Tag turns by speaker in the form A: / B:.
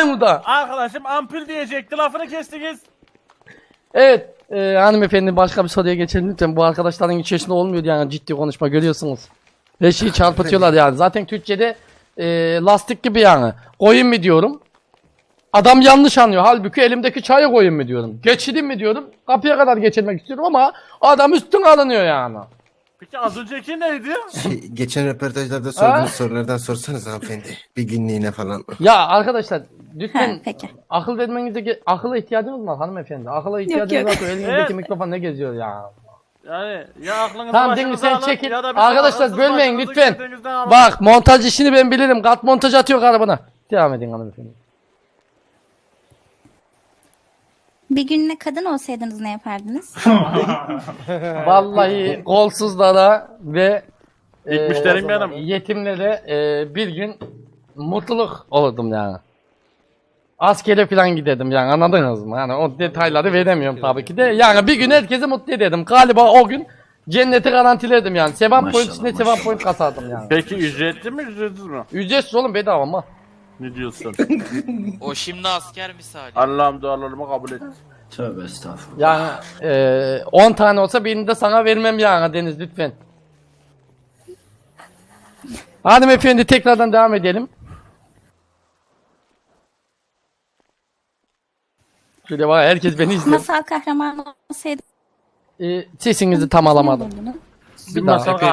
A: buradayım burada.
B: Arkadaşım ampul diyecekti, lafını kestiniz.
A: Evet hanımefendi, başka bir soruya geçelim lütfen. Bu arkadaşların içerisinde olmuyor yani, ciddi konuşma, görüyorsunuz. Her şeyi çarpıtıyorlar yani. Zaten Türkçe'de lastik gibi yani. Koyun mu diyorum. Adam yanlış anlıyor. Halbuki elimdeki çayı koyun mu diyorum. Geçidin mi diyorum. Kapıya kadar geçirmek istiyorum ama adam üstün alınıyor yani.
B: Peki az önceki neydi?
C: Geçen röportajlarda sorduğunuz
A: Ha?
C: sorulardan sorsanız hanımefendi. Bir günlüğüne falan.
A: Ya arkadaşlar lütfen
D: Ha, peki.
A: akıl vermenize akıla ihtiyacınız var hanımefendi. Akıla ihtiyacınız
D: yok.
A: varsa elinizdeki
B: Evet.
A: mikrofon ne geziyor ya.
B: Yani ya aklınızı
A: Tamam
B: başınıza
A: Cengiz, sen
B: alın
A: çekil.
B: ya da bir
A: Arkadaşlar
B: akılsız
A: bölmeyin
B: başınızı
A: lütfen.
B: kendinizden alın.
A: Bak montaj işini ben bilirim. Kat montaj atıyor arabana. Devam edin hanımefendi.
D: Bir gününe kadın olsaydınız ne yapardınız?
A: Vallahi kolsuzlara ve
B: İlk müşterim benim.
A: yetimlere bir gün mutluluk olurdum yani. Askere falan giderdim yani, anladınız mı? Yani o detayları veremiyorum tabii ki de. Yani bir gün herkesi mutlu ederdim. Galiba o gün cenneti garantilerdim yani. Sevap point üstüne sevap point kasardım yani.
B: Peki ücretli mi ücretsiz mi?
A: Ücretsiz oğlum, bedava ama.
B: Ne diyorsun?
E: O şimdi asker misali.
B: Allah'ım dualarımı kabul et.
F: Tövbe estağfurullah.
A: Yani 10 tane olsa birini de sana vermem yani Deniz, lütfen. Hanımefendi tekrardan devam edelim. Şöyle bak, herkes beni izliyor.
D: Masal kahramanı olsaydınız
A: Sesinizi tam
D: ne
A: alamadım.
D: olurdunuz?
B: Bir masal